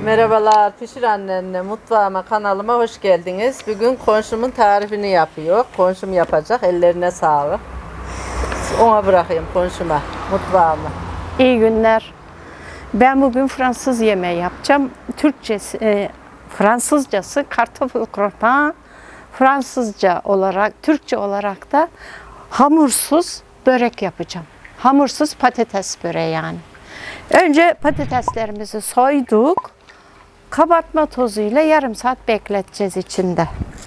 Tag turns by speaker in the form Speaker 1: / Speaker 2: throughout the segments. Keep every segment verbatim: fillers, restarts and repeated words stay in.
Speaker 1: Merhabalar, Pişir Annenle mutfağıma, kanalıma hoş geldiniz. Bugün komşumun tarifini yapıyor. Komşum yapacak, ellerine sağlık. Ona bırakayım komşuma, mutfağıma.
Speaker 2: İyi günler. Ben bugün Fransız yemeği yapacağım. Türkçesi, e, Fransızcası kartoffel croquant. Fransızca olarak, Türkçe olarak da hamursuz börek yapacağım. Hamursuz patates böreği yani. Önce patateslerimizi soyduk. Kabartma tozuyla yarım saat bekleteceğiz içinde.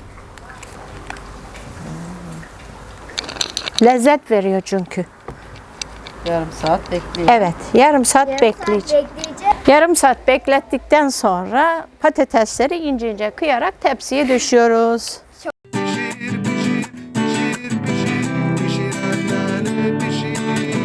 Speaker 2: Lezzet veriyor çünkü.
Speaker 1: Yarım saat bekleyin.
Speaker 2: Evet, yarım saat
Speaker 3: Yarım
Speaker 2: bekleyeceğim.
Speaker 3: saat bekleyeceğim.
Speaker 2: Yarım saat beklettikten sonra patatesleri ince ince kıyarak tepsiye düşüyoruz.
Speaker 4: Pişir, pişir, pişir, pişir, pişir anneanne pişir.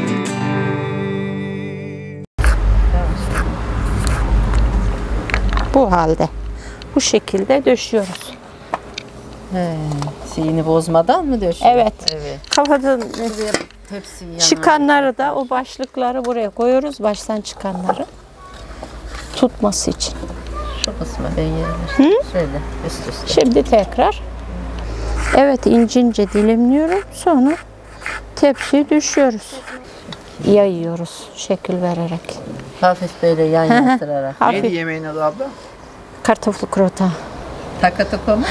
Speaker 2: Bu halde. Bu şekilde döşüyoruz.
Speaker 1: He, sihini bozmadan mı döşüyor?
Speaker 2: Evet.
Speaker 1: Evet.
Speaker 2: Kafadan
Speaker 1: Hepsi yanına.
Speaker 2: çıkanları da o başlıkları buraya koyuyoruz. Baştan çıkanları tutması için.
Speaker 1: Şu kısmı ben yerim. Şöyle üst üste.
Speaker 2: Şimdi tekrar evet ince ince dilimliyorum. Sonra tepsiye düşüyoruz. Yayıyoruz şekil vererek.
Speaker 1: Hafif böyle yan yattırarak.
Speaker 2: Hafif
Speaker 4: Neydi yemeğin adı abla?
Speaker 2: kartoffel croquant.
Speaker 1: Takatuko mu?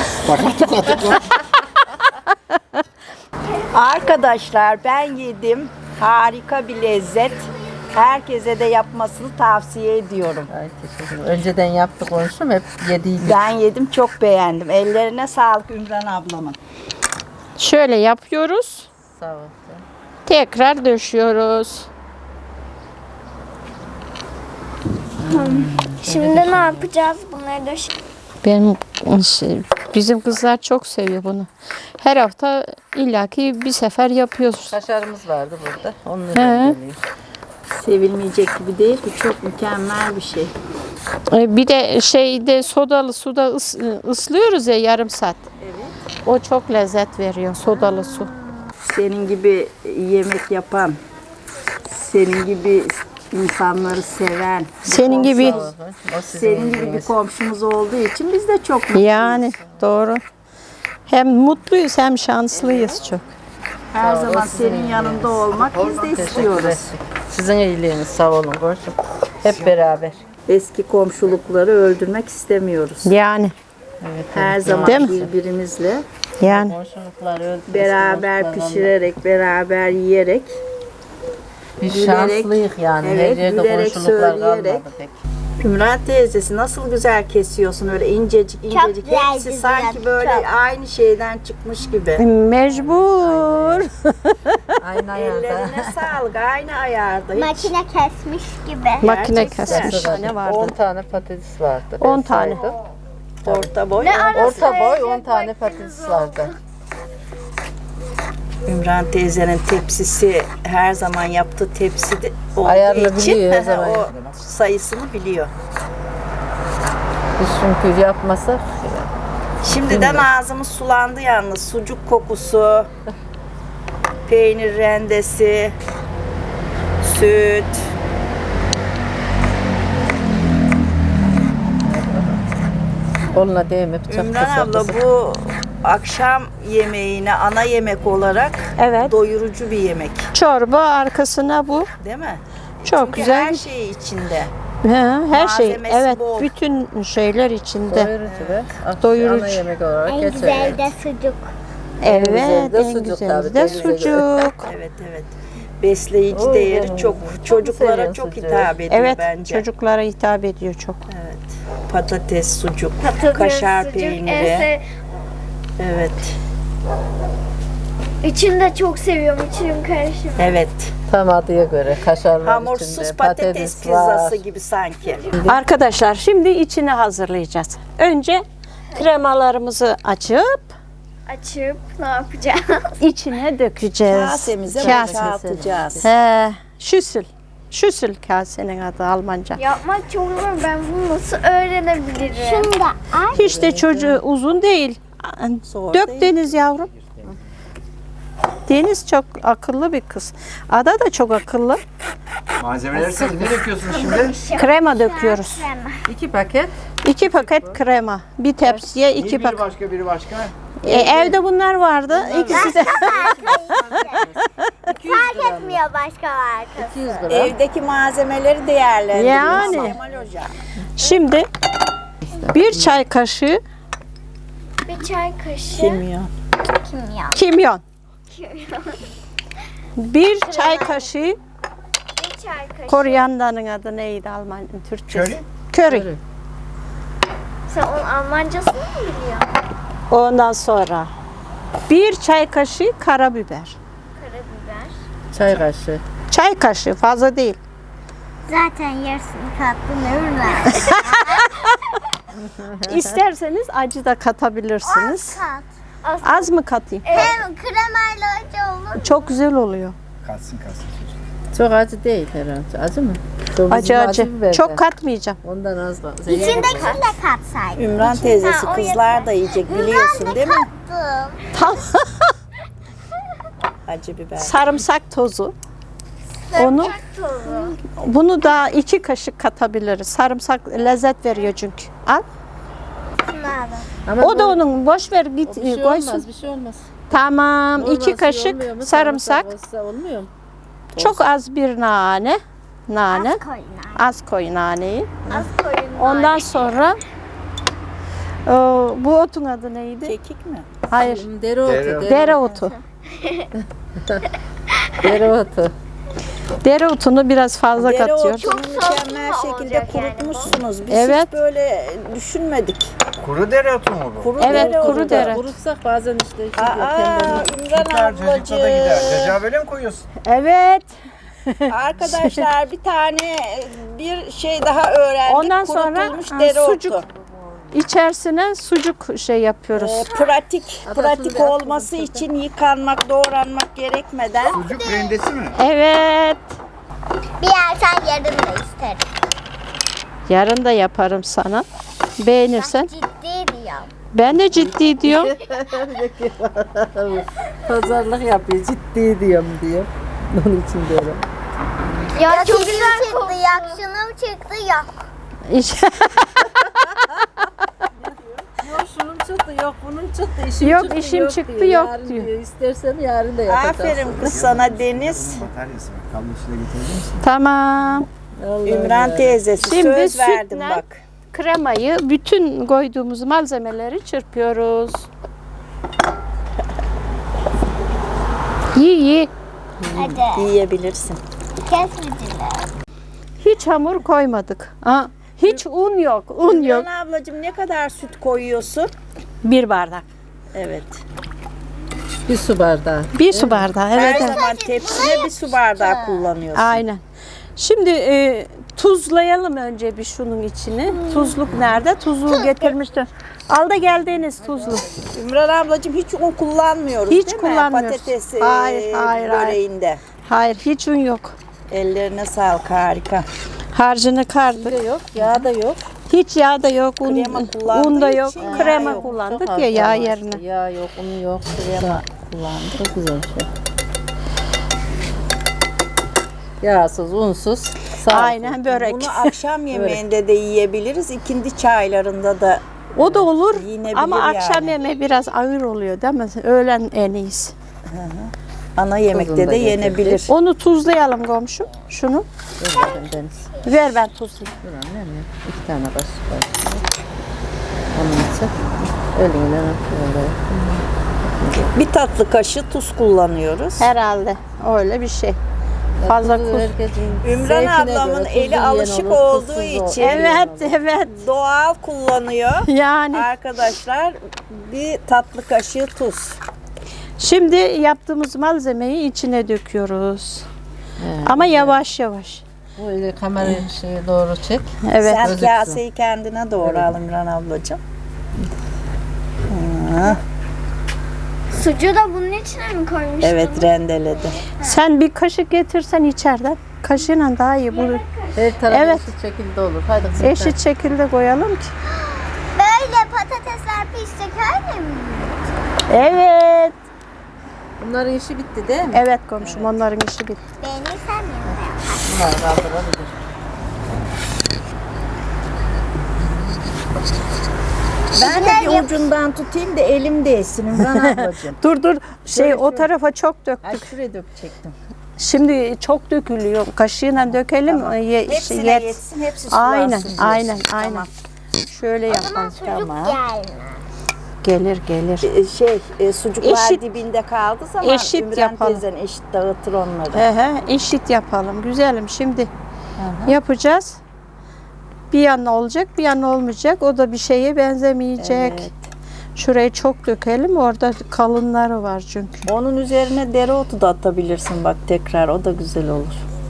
Speaker 5: Arkadaşlar ben yedim. Harika bir lezzet. Herkese de yapmasını tavsiye ediyorum.
Speaker 1: Ay teşekkür ederim. Önceden yaptık komşum, hep yediydik.
Speaker 5: Ben yedim, çok beğendim. Ellerine sağlık Ümran ablamın.
Speaker 2: Şöyle yapıyoruz.
Speaker 1: Sağ ol.
Speaker 2: Tekrar döşüyoruz.
Speaker 3: Şimdi ne yapacağız? Bunları da şey-
Speaker 2: Benim şey, bizim kızlar çok seviyor bunu. Her hafta illaki bir sefer yapıyoruz.
Speaker 1: Kaşarımız vardı burada. Onun
Speaker 2: He.
Speaker 1: üzerine geliyor.
Speaker 5: Sevilmeyecek gibi değil ki, çok mükemmel bir şey.
Speaker 2: Ee, Bir de şeyde sodalı suda ıs, ıslıyoruz ya yarım saat. Evet. O çok lezzet veriyor sodalı su.
Speaker 5: Senin gibi yemek yapan, senin gibi insanları seven,
Speaker 2: Senin gibi
Speaker 1: O sizin
Speaker 5: senin gibi bir
Speaker 1: iyiliğiniz.
Speaker 5: komşumuz olduğu için biz de çok mutluyuz.
Speaker 2: yani doğru. Hem mutluyuz hem şanslıyız çok.
Speaker 5: Her
Speaker 1: Sağ ol,
Speaker 5: zaman
Speaker 1: sizin
Speaker 5: senin yanında olmak biz de
Speaker 1: Teşekkür
Speaker 5: istiyoruz.
Speaker 1: ederim. Sizin iyiliğiniz, sağ olun komşum. Hep beraber.
Speaker 5: Eski komşulukları öldürmek istemiyoruz.
Speaker 2: Yani
Speaker 1: Evet,
Speaker 5: Her zaman
Speaker 2: Değil mi?
Speaker 5: birbirimizle
Speaker 2: yani
Speaker 1: komşuluklar öldü.
Speaker 5: beraber
Speaker 1: eski komşularla.
Speaker 5: pişirerek, beraber yiyerek,
Speaker 1: Biz
Speaker 5: gülerek,
Speaker 1: şanslıyız yani.
Speaker 5: evet,
Speaker 1: Her yerde
Speaker 5: gülerek,
Speaker 1: komşuluklar
Speaker 5: söyleyerek.
Speaker 1: kalmadı pek.
Speaker 5: Ümran teyzesi nasıl güzel kesiyorsun, öyle incecik incecik.
Speaker 3: güzel
Speaker 5: Hepsi
Speaker 3: güzel,
Speaker 5: sanki böyle
Speaker 3: çok.
Speaker 5: aynı şeyden çıkmış gibi.
Speaker 2: mecbur.
Speaker 1: Aynı ayarda.
Speaker 5: Ellerine sağlık, aynı ayarda. Hiç
Speaker 3: makine kesmiş gibi.
Speaker 2: Makine
Speaker 5: Gerçekten.
Speaker 2: kesmiş. Ne
Speaker 1: on
Speaker 2: vardı?
Speaker 1: tane patates vardı.
Speaker 2: on
Speaker 1: Ben
Speaker 2: tane.
Speaker 1: saydım.
Speaker 5: orta boy.
Speaker 1: Orta boy on tane patates vardı.
Speaker 5: Ümran teyzenin tepsisi her zaman yaptığı tepsi de olduğu
Speaker 1: Ayarlı
Speaker 5: için
Speaker 1: biliyor, her zaman
Speaker 5: o
Speaker 1: yapıyor.
Speaker 5: sayısını biliyor.
Speaker 1: Biz çünkü yapmasak
Speaker 5: Şimdiden ağzımız sulandı yalnız. Sucuk kokusu, peynir rendesi, süt.
Speaker 1: onunla değmeyip çok
Speaker 5: Ümran
Speaker 1: kısa
Speaker 5: abla
Speaker 1: kısa.
Speaker 5: bu akşam yemeğine ana yemek olarak
Speaker 2: Evet.
Speaker 5: doyurucu bir yemek,
Speaker 2: Çorba arkasına bu.
Speaker 5: değil mi?
Speaker 2: Çok
Speaker 5: Çünkü
Speaker 2: güzel.
Speaker 5: her şey içinde.
Speaker 2: Ha, her şey.
Speaker 5: Malzemesi
Speaker 2: Evet,
Speaker 5: bol.
Speaker 2: bütün şeyler içinde.
Speaker 1: Doyurucu ve akşam
Speaker 2: Doyurucu.
Speaker 1: ana yemek olarak
Speaker 3: En
Speaker 1: geçer.
Speaker 3: güzel de sucuk.
Speaker 2: Evet,
Speaker 1: güzeli de
Speaker 2: en
Speaker 1: sucuk
Speaker 2: güzeli
Speaker 1: tabii,
Speaker 2: de
Speaker 1: denize göre.
Speaker 2: sucuk.
Speaker 5: Evet evet. Besleyici
Speaker 1: Oy
Speaker 5: değeri
Speaker 1: canım.
Speaker 5: çok.
Speaker 1: Çok
Speaker 5: Çocuklara
Speaker 1: seviyorum
Speaker 5: çok
Speaker 1: sucuğu.
Speaker 5: hitap ediyor
Speaker 2: Evet,
Speaker 5: bence.
Speaker 2: çocuklara hitap ediyor çok.
Speaker 5: Evet. Patates, sucuk,
Speaker 3: Patates,
Speaker 5: kaşar
Speaker 3: sucuk,
Speaker 5: peyniri.
Speaker 3: ese-
Speaker 5: Evet.
Speaker 3: İçini de çok seviyorum. İçinin karışımı.
Speaker 5: Evet.
Speaker 1: Tam adıya göre kaşar var
Speaker 5: Hamursuz
Speaker 1: içinde,
Speaker 5: patates,
Speaker 1: var.
Speaker 5: pizzası gibi sanki.
Speaker 2: Arkadaşlar şimdi içini hazırlayacağız. Önce kremalarımızı açıp
Speaker 3: Açıp ne yapacağız?
Speaker 2: içine dökeceğiz.
Speaker 5: Kasemize
Speaker 2: Kase.
Speaker 5: boşaltacağız.
Speaker 2: He, şüsül. Şüsül kasenin adı Almanca.
Speaker 3: Yapmak çok zor. Ben bunu nasıl öğrenebilirim? Şimdi
Speaker 2: Hiç de çocuğu uzun değil.
Speaker 5: Zor
Speaker 2: Dök
Speaker 5: değil.
Speaker 2: Deniz yavrum. Deniz çok akıllı bir kız. Ada da çok akıllı.
Speaker 4: Malzemeleri sen ne döküyorsun şimdi?
Speaker 2: Krema döküyoruz.
Speaker 1: İki paket.
Speaker 2: İki paket krema. Bir tepsiye iki
Speaker 4: Biri
Speaker 2: paket.
Speaker 4: başka biri başka.
Speaker 2: E, evde bunlar vardı. İkisi de.
Speaker 3: Fark etmiyor başka markası.
Speaker 1: iki yüz gram.
Speaker 5: Evdeki malzemeleri değerlendiriyoruz.
Speaker 2: Yani.
Speaker 5: Kemal Hoca.
Speaker 2: Şimdi bir çay kaşığı
Speaker 3: Bir çay kaşığı
Speaker 5: Kimyon.
Speaker 3: kimyon.
Speaker 2: kimyon.
Speaker 3: Kimyon.
Speaker 2: Bir çay kaşığı
Speaker 3: Bir çay kaşığı.
Speaker 2: koriyandanın adı neydi Alman Türkçesi?
Speaker 4: Köri.
Speaker 2: Köri.
Speaker 1: Köri.
Speaker 3: Sen onun Almancasını mı biliyorsun?
Speaker 2: Ondan sonra bir çay kaşığı karabiber.
Speaker 3: Karabiber.
Speaker 1: Çay kaşığı.
Speaker 2: Çay kaşığı fazla değil.
Speaker 3: Zaten yarısını kattın ömürler.
Speaker 2: İsterseniz acı da katabilirsiniz.
Speaker 3: kat.
Speaker 2: Az mı katayım?
Speaker 3: Hem kremayla acı olur.
Speaker 2: Çok güzel oluyor.
Speaker 4: Katsın katsın.
Speaker 1: Çok acı değil herhalde. Acı mı? Çok
Speaker 2: Acı
Speaker 1: bizim
Speaker 2: acı.
Speaker 1: biber de.
Speaker 2: Çok katmayacağım.
Speaker 1: Ondan az da.
Speaker 3: İçindekini de katsaydın.
Speaker 5: Ümran teyzesi
Speaker 3: Ha, o
Speaker 5: kızlar da yiyecek biliyorsun değil mi?
Speaker 3: Kattım.
Speaker 2: Tam
Speaker 5: Acı biber.
Speaker 2: sarımsak tozu. Onu
Speaker 3: Tozu.
Speaker 2: bunu da iki kaşık katabiliriz. Sarımsak lezzet veriyor çünkü. Al.
Speaker 1: Ama
Speaker 2: O da
Speaker 1: bu-
Speaker 2: onun boş ver git
Speaker 1: bir şey
Speaker 2: koysun.
Speaker 1: olmaz, bir şey olmaz.
Speaker 2: Tamam.
Speaker 1: Olmaz,
Speaker 2: iki
Speaker 1: şey
Speaker 2: kaşık
Speaker 1: olmuyor mu?
Speaker 2: sarımsak.
Speaker 1: olsa olmuyor mu?
Speaker 2: Çok az bir nane. Nane.
Speaker 3: Az koyun.
Speaker 2: Az koy naneyi.
Speaker 3: Az koyun.
Speaker 2: Ondan sonra e, bu otun adı neydi?
Speaker 5: Kekik mi?
Speaker 2: Hayır.
Speaker 1: Dereotu.
Speaker 4: Dereotu.
Speaker 2: Dereotu.
Speaker 1: Dereotu.
Speaker 2: Dereotunu biraz fazla katıyoruz.
Speaker 5: Dereotunu mükemmel
Speaker 3: soslu
Speaker 5: şekilde
Speaker 3: olacak yani bu.
Speaker 5: kurutmuşsunuz. Biz
Speaker 2: Evet.
Speaker 5: hiç böyle düşünmedik.
Speaker 4: Kuru dereotu mu bu?
Speaker 5: Kuru
Speaker 2: Evet,
Speaker 5: dereotu.
Speaker 2: kuru dere.
Speaker 1: Kurutsak bazen işte. gidiyor,
Speaker 5: Aa,
Speaker 1: tembellik.
Speaker 5: İmran
Speaker 4: Süper çocukla da gider.
Speaker 5: ablacığım.
Speaker 4: Cacığa böyle mi koyuyorsun?
Speaker 2: Evet.
Speaker 5: Arkadaşlar bir tane bir şey daha öğrendik.
Speaker 2: Ondan sonra,
Speaker 5: Kurutulmuş
Speaker 2: ha,
Speaker 5: dereotu.
Speaker 2: sucuk. İçerisine sucuk şey yapıyoruz.
Speaker 5: Ee, pratik,
Speaker 1: Adasını
Speaker 5: pratik
Speaker 1: bir
Speaker 5: olması
Speaker 1: aklımızda.
Speaker 5: için yıkanmak, doğranmak gerekmeden
Speaker 4: Sucuk rendesi mi?
Speaker 2: Evet.
Speaker 3: Bir yersen yarın da isterim.
Speaker 2: Yarın da yaparım sana. Beğenirsen.
Speaker 3: Ciddi diyorum.
Speaker 2: Ben de ciddi diyorum.
Speaker 1: Pazarlık yapıyor, ciddi diyorum diyor. Onun için diyorum.
Speaker 3: Ya çok güzel çıktı. Yak şunu çıktı yak.
Speaker 2: İş-
Speaker 1: Yok şunun çıktı, yok bunun çıktı, işim
Speaker 2: Yok,
Speaker 1: çıktı,
Speaker 2: işim
Speaker 1: yok
Speaker 2: çıktı,
Speaker 1: diyor.
Speaker 2: yok
Speaker 1: Yarın
Speaker 2: diyor.
Speaker 1: İstersen yarın da yapacaksın.
Speaker 5: aferin kız sana Deniz.
Speaker 4: Bataryası var. Kablosuyla getirebilir misin?
Speaker 2: Tamam.
Speaker 1: Allah'ım
Speaker 5: Ümran
Speaker 1: ya.
Speaker 5: teyzesi
Speaker 2: Şimdi
Speaker 5: söz verdim
Speaker 2: sütle-
Speaker 5: bak.
Speaker 2: Kremayı bütün koyduğumuz malzemeleri çırpıyoruz. İyi iyi.
Speaker 3: Hadi.
Speaker 5: Yiyebilirsin.
Speaker 3: Kesmediler.
Speaker 2: Hiç hamur koymadık. Ha, hiç un yok. Un yok.
Speaker 5: Ümran ablacığım ne kadar süt koyuyorsun?
Speaker 2: Bir bardak.
Speaker 5: Evet.
Speaker 1: Bir su bardağı.
Speaker 2: Bir su bardağı. Evet.
Speaker 5: Her
Speaker 2: evet.
Speaker 5: zaman tepsine bir su bardağı kullanıyorsun.
Speaker 2: Aynen. Şimdi e, tuzlayalım önce bir şunun içini. Tuzluk nerede? Tuzluğu getirmiştim. Al da geldiğiniz tuzlu.
Speaker 5: Ümran ablacığım hiç un kullanmıyoruz
Speaker 2: Hiç
Speaker 5: değil
Speaker 2: kullanmıyoruz.
Speaker 5: mi? Patates e,
Speaker 2: Hayır, hayır, hayır.
Speaker 5: böreğinde.
Speaker 2: Hayır, hiç un yok.
Speaker 5: Ellerine sağlık, harika.
Speaker 2: Harcını
Speaker 1: Bir
Speaker 2: kardık.
Speaker 1: de yok, yağ da yok.
Speaker 2: Hiç yağ da yok, un,
Speaker 5: Krema kullandığı
Speaker 2: un da yok.
Speaker 5: için yağ
Speaker 2: Krema
Speaker 5: yok.
Speaker 2: kullandık
Speaker 1: Çok
Speaker 2: ya
Speaker 1: az
Speaker 2: yağ
Speaker 1: var
Speaker 2: yerine.
Speaker 1: işte. Yağ yok, un yok, krema kullandık. Çok güzel bir şey. Yağsız, unsuz, sağlıklı.
Speaker 2: Aynen börek.
Speaker 5: Bunu akşam yemeğinde de yiyebiliriz. İkindi çaylarında da
Speaker 2: O da olur
Speaker 5: Yinebilir
Speaker 2: ama akşam
Speaker 5: yani.
Speaker 2: yemeği biraz ağır oluyor değil mi? Öğlen en iyisi.
Speaker 5: ana yemekte
Speaker 1: Tuzunu da
Speaker 5: de
Speaker 1: getirdik.
Speaker 5: yenebilir.
Speaker 2: Onu tuzlayalım komşum. Şunu.
Speaker 1: Ver bakayım Deniz.
Speaker 2: Ver ben tuzlayayım.
Speaker 1: Dur annem ya. İki tane kaşık var. Onun için eline böyle.
Speaker 5: Bir tatlı kaşığı tuz kullanıyoruz.
Speaker 2: Herhalde öyle bir şey. Fazla
Speaker 1: Tuzu
Speaker 2: kuz.
Speaker 1: herkesin
Speaker 5: Ümran
Speaker 1: zevkine
Speaker 5: ablamın
Speaker 1: göre,
Speaker 5: eli
Speaker 1: tuzlu yiyen
Speaker 5: alışık
Speaker 1: olur,
Speaker 5: olduğu
Speaker 1: tuzsuz
Speaker 5: için-
Speaker 1: olur.
Speaker 2: Evet, evet.
Speaker 5: Doğal kullanıyor.
Speaker 2: Yani
Speaker 5: Arkadaşlar bir tatlı kaşığı tuz.
Speaker 2: şimdi yaptığımız malzemeyi içine döküyoruz. Ama yavaş yavaş.
Speaker 1: Böyle kamerayı şeye doğru çek.
Speaker 2: Evet.
Speaker 5: Sen
Speaker 1: gözüksün.
Speaker 5: kaseyi kendine doğru al İmran ablacığım. Ha,
Speaker 3: Sucuğu da bunun içine mi koymuştun?
Speaker 5: evet rendeledi.
Speaker 2: Sen bir kaşık getirsen içeriden. Kaşığıyla daha iyi. Bu
Speaker 1: Her tarafı
Speaker 2: Evet.
Speaker 1: eşit şekilde olur. Hadi kızım.
Speaker 2: eşit şekilde koyalım ki.
Speaker 3: Böyle patatesler pişecek öyle mi?
Speaker 2: Evet.
Speaker 1: Bunların işi bitti değil mi?
Speaker 2: Evet komşum onların işi bitti.
Speaker 3: Beğenirsem ya.
Speaker 1: Bunlar kaldırabilir.
Speaker 5: Ben de bir ucundan tutayım da elim değsin Ümran ablacığım.
Speaker 2: Dur dur şey
Speaker 5: Şöyle,
Speaker 2: o
Speaker 5: şöyle.
Speaker 2: tarafa çok
Speaker 5: Ay
Speaker 2: döktük.
Speaker 5: şuraya dökecektim.
Speaker 2: Şimdi çok dökülüyor. Kaşığıyla dökelim.
Speaker 5: Tamam.
Speaker 2: Ye-
Speaker 5: Hepsine
Speaker 2: yet-
Speaker 5: yetsin, hepsi sulansın
Speaker 2: Aynen,
Speaker 5: diyorsun.
Speaker 2: aynen, aynen.
Speaker 5: Tamam.
Speaker 2: Şöyle
Speaker 3: O zaman
Speaker 2: yapalım.
Speaker 3: sucuk
Speaker 5: Tamam.
Speaker 3: gelmez.
Speaker 2: Gelir gelir.
Speaker 5: E, Şey, e, sucuklar
Speaker 2: Eşit-
Speaker 5: dibinde kaldı zaman
Speaker 2: eşit
Speaker 5: Ümran
Speaker 2: yapalım.
Speaker 5: teyzen eşit dağıtır onları.
Speaker 2: Ehe, eşit yapalım. Güzelim. Şimdi yapacağız. Bir yana olacak, bir yana olmayacak. O da bir şeye benzemeyecek.
Speaker 5: Evet.
Speaker 2: Şurayı çok dökelim. Orada kalınları var çünkü.
Speaker 5: Onun üzerine dereotu da atabilirsin bak tekrar, o da güzel olur.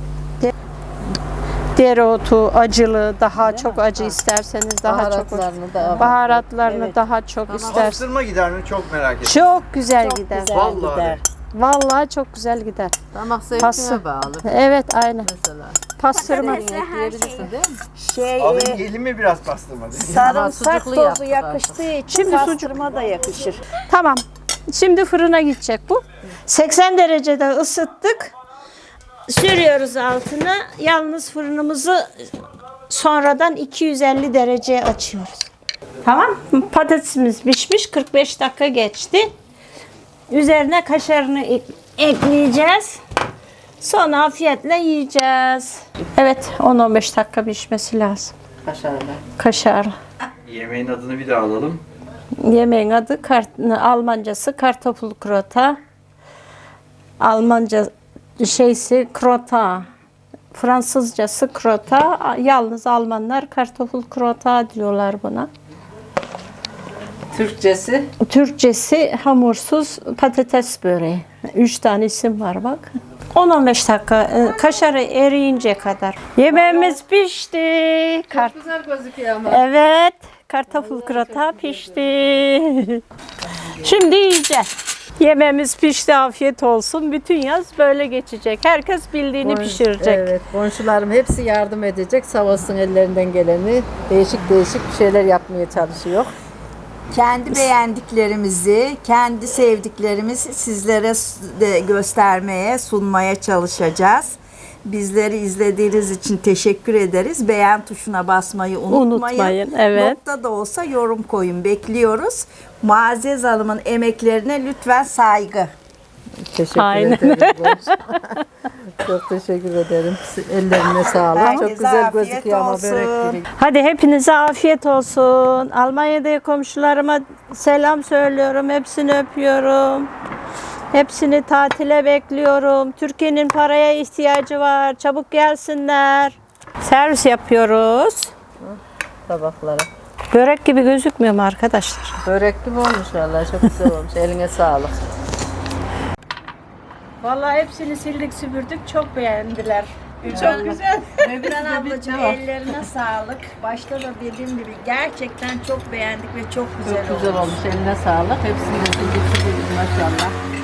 Speaker 2: Dereotu, acılı, daha çok acı isterseniz daha çok.
Speaker 1: Baharatlarını da
Speaker 2: Baharatlarını
Speaker 5: Evet.
Speaker 2: daha çok isterseniz.
Speaker 4: Bastırma gider mi? Çok merak ettim.
Speaker 2: Çok güzel
Speaker 5: Çok
Speaker 2: gider.
Speaker 5: güzel
Speaker 4: Vallahi
Speaker 5: gider.
Speaker 2: Vallahi çok güzel gider.
Speaker 1: damak
Speaker 2: Pası.
Speaker 1: zevkine bağlı
Speaker 2: Evet, aynen.
Speaker 1: mesela.
Speaker 2: Pastırma.
Speaker 1: Ekleyebilirsin değil mi?
Speaker 5: Şey,
Speaker 4: Alayım
Speaker 5: e,
Speaker 4: yiyelim mi biraz pastırma?
Speaker 5: sarımsak
Speaker 1: sucuklu
Speaker 5: tozu
Speaker 1: yaptık
Speaker 5: yakıştığı için
Speaker 2: Şimdi
Speaker 5: Şimdi
Speaker 2: sucuk-
Speaker 5: pastırma da yakışır.
Speaker 2: Tamam. Şimdi fırına gidecek bu. seksen derecede ısıttık. Sürüyoruz altına. Yalnız fırınımızı sonradan iki yüz elli dereceye açıyoruz. Tamam. Patatesimiz pişmiş. kırk beş dakika geçti. Üzerine kaşarını ek- ekleyeceğiz. Sonra afiyetle yiyeceğiz. Evet, on on beş dakika pişmesi lazım.
Speaker 1: Kaşarla.
Speaker 2: Kaşar.
Speaker 4: Yemeğin adını bir daha alalım.
Speaker 2: Yemeğin adı kart, Almancası kartoffel krota. Almanca şeysi krota. Fransızcası krota. Yalnız Almanlar kartoffel krota diyorlar buna.
Speaker 1: Türkçesi
Speaker 2: Türkçesi hamursuz patates böreği. Üç tane isim var bak. on on beş dakika e, kaşarı eriyince kadar. Yemeğimiz pişti. Kart-
Speaker 1: güzel gözüküyor ama.
Speaker 2: Evet, kartoffel krata pişti. Şimdi yiyeceğiz. Yemeğimiz pişti, afiyet olsun. Bütün yaz böyle geçecek. Herkes bildiğini
Speaker 1: Bon-
Speaker 2: pişirecek.
Speaker 1: Evet, komşularım hepsi yardım edecek. Sağ olsun ellerinden geleni. Değişik değişik bir şeyler yapmaya çalışıyor.
Speaker 5: Kendi beğendiklerimizi, kendi sevdiklerimizi sizlere s- de göstermeye, sunmaya çalışacağız. Bizleri izlediğiniz için teşekkür ederiz. Beğen tuşuna basmayı unutmayın.
Speaker 2: Unutmayın, evet.
Speaker 5: Nokta da olsa yorum koyun. Bekliyoruz. Muazzez Hanım'ın emeklerine lütfen saygı.
Speaker 1: Teşekkür
Speaker 2: Aynen.
Speaker 1: ederim. Çok teşekkür ederim. Ellerine sağlık.
Speaker 5: Herkese
Speaker 1: Çok güzel
Speaker 5: afiyet
Speaker 1: gözüküyor ama
Speaker 5: olsun.
Speaker 1: börek gibi.
Speaker 2: Hadi hepinize afiyet olsun. Almanya'da komşularıma selam söylüyorum. Hepsini öpüyorum. Hepsini tatile bekliyorum. Türkiye'nin paraya ihtiyacı var. Çabuk gelsinler. Servis yapıyoruz.
Speaker 1: Tabaklara.
Speaker 2: Börek gibi gözükmüyor mu arkadaşlar?
Speaker 1: Börek gibi olmuş vallahi. Çok güzel olmuş. Eline sağlık.
Speaker 2: Vallahi hepsini sildik süpürdük. Çok beğendiler.
Speaker 5: Çok güzel. Ümran ablacığım ellerine sağlık. Başta da dediğim gibi gerçekten çok beğendik ve çok güzel
Speaker 1: Çok güzel
Speaker 5: olmuş.
Speaker 1: olmuş. Eline sağlık. Hepsini de sildik sildik maşallah.